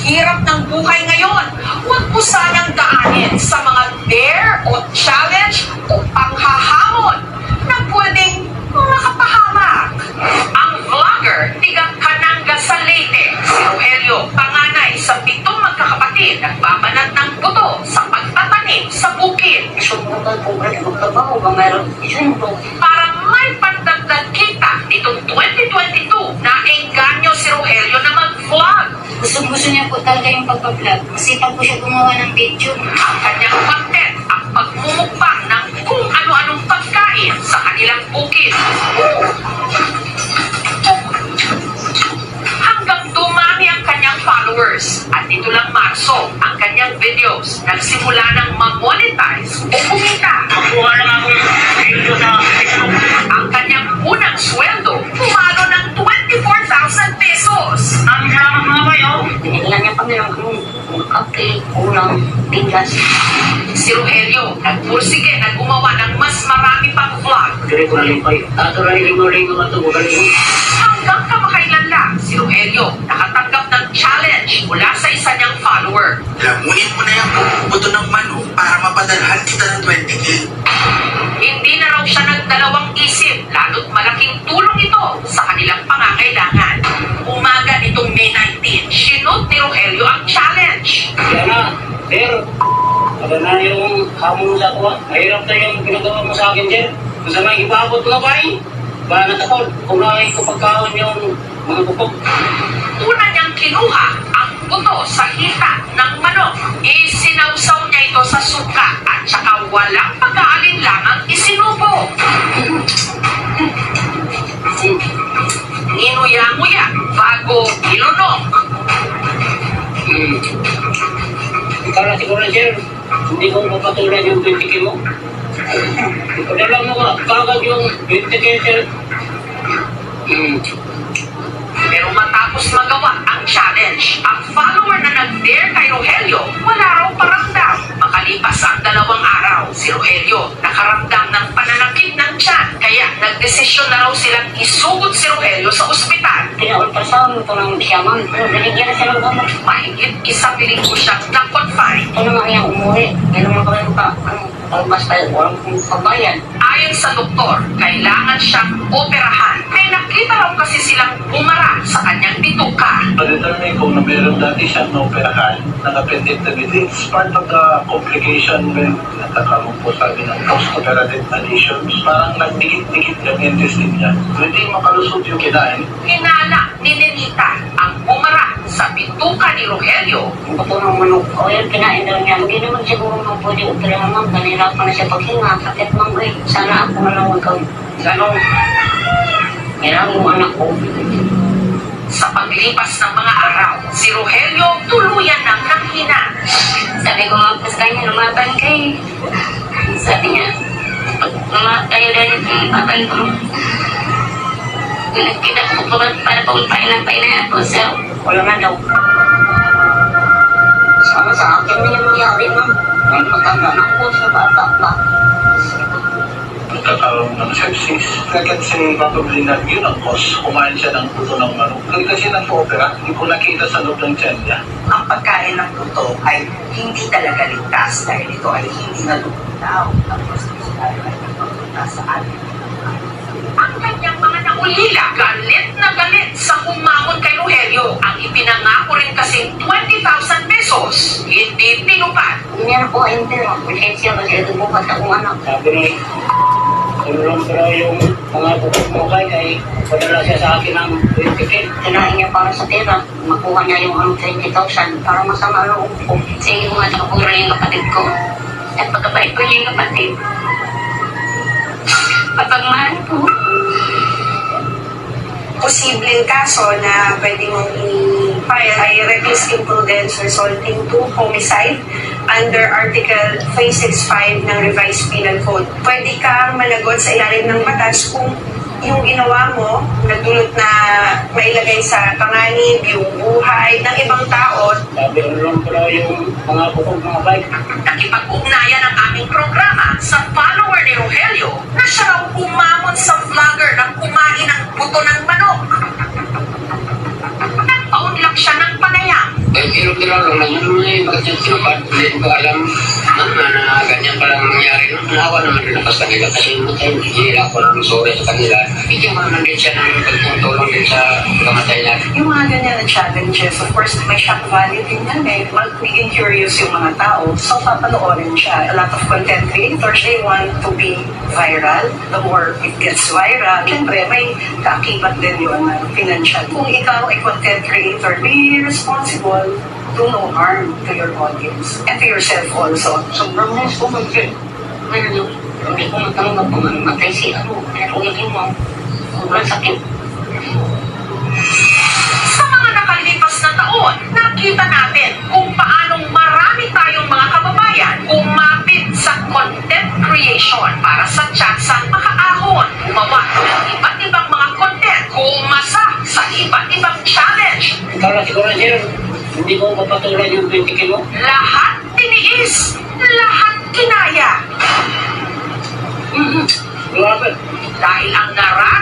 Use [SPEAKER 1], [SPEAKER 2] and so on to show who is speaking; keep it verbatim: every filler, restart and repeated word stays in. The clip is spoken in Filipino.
[SPEAKER 1] hirap ng buhay ngayon, huwag mo sanang daanin sa mga dare o challenge o panghahamon na pwedeng makapahamak. Ang vlogger, tigang Kananga sa Leyte, si Rogelio, panganay sa pitong magkakapatid, nagbabanat ng buto sa pagtatanim sa bukid.
[SPEAKER 2] Sumunod po ka ng trabaho ba mayroon isunod?
[SPEAKER 1] Para may pandagdag kita nitong twenty twenty-two na engganyo si Rogelio na mag-vlog.
[SPEAKER 2] Gusto-gusto niya po talaga yung pagpa-vlog. Masipag po siya gumawa ng video.
[SPEAKER 1] Ang kanyang content, ang pagmumukbang ng kung ano-anong pagkain sa kanilang bukid. Hanggang dumami ang kanyang followers. At dito lang Marso, ang kanyang videos nagsimula ng ma-monetize o kumita.
[SPEAKER 3] Makuha lang akong video sa Facebook.
[SPEAKER 1] Ang kanyang unang sweldo, pumalo ng twenty-four thousand pesos.
[SPEAKER 3] Maraming salamat mga bayo.
[SPEAKER 2] Tiniglan niya kami ng ano, kape, ulam, bigas.
[SPEAKER 1] Si Rogelio, nagpursige na gumawa ng mas marami pang vlog.
[SPEAKER 3] Dili ko na limpay. Ato na lilingaw-lingaw at ito.
[SPEAKER 1] Hanggang kamakailan lang, si Rogelio nakatanggap ng challenge mula sa isa niyang follower.
[SPEAKER 4] Lamunin mo na yung buto ng manok para mapadalhan kita ng twenty K.
[SPEAKER 1] Hindi na raw siya nagdalawang isip, lalo't malaking tulong ito sa kanilang pangangailangan. Umaga nitong May nineteenth, sinod ni Rogelio ang challenge.
[SPEAKER 3] Yan na, sir. Ano na yung hamon sa kuha. Mahirap na yung ginagawa mo sa akin, sir. Kung sa may ibabot nga ba eh. Ba natakot. Kung nakay ko pagkaon yung mga bukog.
[SPEAKER 1] Una niyang kinuha ang buto sa hita ng manok. Isinawsaw niya ito sa suka at saka walang pag-aalinlangang isinubo. Nginuya-nguya bago ilunok.
[SPEAKER 3] Hmm. Ikaw na siguro, sir. Hindi ko mapatulan yung twenty K mo. Padala mo ka. Kagad yung twenty K, sir. Hmm.
[SPEAKER 1] Pero matapos magawa ang challenge, ang follower na nag-dare kay Rogelio, wala raw paramdam. Makalipas ang dalawang araw, si Rogelio nakaramdam ng pananakit ng tiyan. Kaya nagdesisyon na raw silang isugod si Rogelio sa ospital.
[SPEAKER 2] Pinaultrasound ito ng siyaman. Pero binigyan na siya ng gamot.
[SPEAKER 1] Mahigit isang linggo siyang na-confine.
[SPEAKER 2] Ito naman yung umuwi. Hindi naman kami pa, ano, palabas tayo. Walang pagbayan.
[SPEAKER 1] Ayon sa doktor, kailangan siyang operahan. May nakita raw kasi silang bumara sa kanyang bituka.
[SPEAKER 5] Ma-determine kung na meron dati siyang naoperahan ng appendectomy. It's part of the complication when nagkakaroon po sabi ng post-operative adhesions. Parang nagdikit-dikit yung intestine niya. Hindi makalusot yung kinain.
[SPEAKER 1] Hinala ni Nenita ang bumara sa bituka ni Rogelio.
[SPEAKER 2] Ang bato ng manok. O yun, kinain daw niya. Hindi naman siguro nang pwede operahan ma'am. Kanirapan na siya paghinga. Sakit ma'am eh. Sana ako na lang magkaw. Ganon. Hirang yung anak ko.
[SPEAKER 1] Sa paglipas ng mga araw, si Rogelio tuluyan ng nanghina.
[SPEAKER 2] Sabi ko nga po sa kanya, lumaban kayo. Sabi niya, pag lumaban kayo dahil lumaban ko. Nagkita ko po para pauntahin ng paina ako. So, wala na daw. Sama sa akin na yung nangyari, ma'am. May magkakanak ko sa bata pa.
[SPEAKER 5] Nagkakaroon ng sepsis. Let's say, probably na yun ang cause. Kumain siya ng puto ng manok. Kasi kasi nag-opera, hindi ko nakita sa loob ng tiyan niya.
[SPEAKER 6] Ang pagkain ng puto ay hindi talaga ligtas dahil ito ay hindi nalulutaw. Tapos ito ay nagpapunta sa atin.
[SPEAKER 1] Ang kanyang mga naulila, galit na galit sa kumamon kay Rogelio. Ang ipinangako rin kasing twenty thousand pesos, hindi tinupad.
[SPEAKER 2] Hindi na po kayong pera. Pasensya kasi ito bukas akong anak.
[SPEAKER 3] Sabi ni, tulong pero yung mga bukog mo kay ay padala siya sa akin ng twenty K.
[SPEAKER 2] Kinain niya para sa pera. Makuha niya yung ano, twenty thousand para masama loob ko. Sige ko nga nakapura yung kapatid ko. At pagkabait ko niya yung kapatid. Pagmahal ko.
[SPEAKER 7] Posibleng kaso na pwede mong i-file ay reckless imprudence resulting to homicide under Article three sixty-five ng Revised Penal Code. Pwede kang managot sa ilalim ng batas kung yung ginawa mo nagdulot na mailagay sa panganib yung buhay ng ibang tao.
[SPEAKER 3] Sabi lang pero yung mga bukog mga bike.
[SPEAKER 1] Nakipag-ugnayan ang aming programa sa follower ni Rogelio na siya raw umamon sa vlogger ng kumain ng buto ng manok. Nagpaunlak siya ng panayam.
[SPEAKER 3] Ay, biro-biro lang lang yun may magtutupad. Hindi ko alam na, na, na ganyan palang nangyari. No? Nahawa naman rin ako sa kanila kasi hindi ako ng sorry sa kanila. Hindi mo naman din siya ng pagtutulong din sa kamatay natin.
[SPEAKER 7] Yung mga ganyan na challenges, of course, may shock value din yan eh. Magiging curious yung mga tao, so papanoorin siya. A lot of content creators, they want to be viral. The more it gets viral, syempre may kaakibat din yun na financial. Kung ikaw ay content creator, be responsible. Do no harm to your audience and to yourself also.
[SPEAKER 2] Sobrang nice ko man siya. Ano yun? Hindi ko matanggap kung mamatay si ano. Kaya kung hindi mo, sobrang sakit.
[SPEAKER 1] Sa mga nakalipas na taon, nakita natin kung paanong marami tayong mga kababayan umapit sa content creation para sa tsansang makaahon, gumawa ng iba't ibang mga content, kumasa sa iba't ibang challenge.
[SPEAKER 3] Ikaw lang siguro sir, hindi ko mapatuloy yung twenty K mo.
[SPEAKER 1] Lahat tiniis, lahat kinaya.
[SPEAKER 3] Grabe.
[SPEAKER 1] Dahil ang naran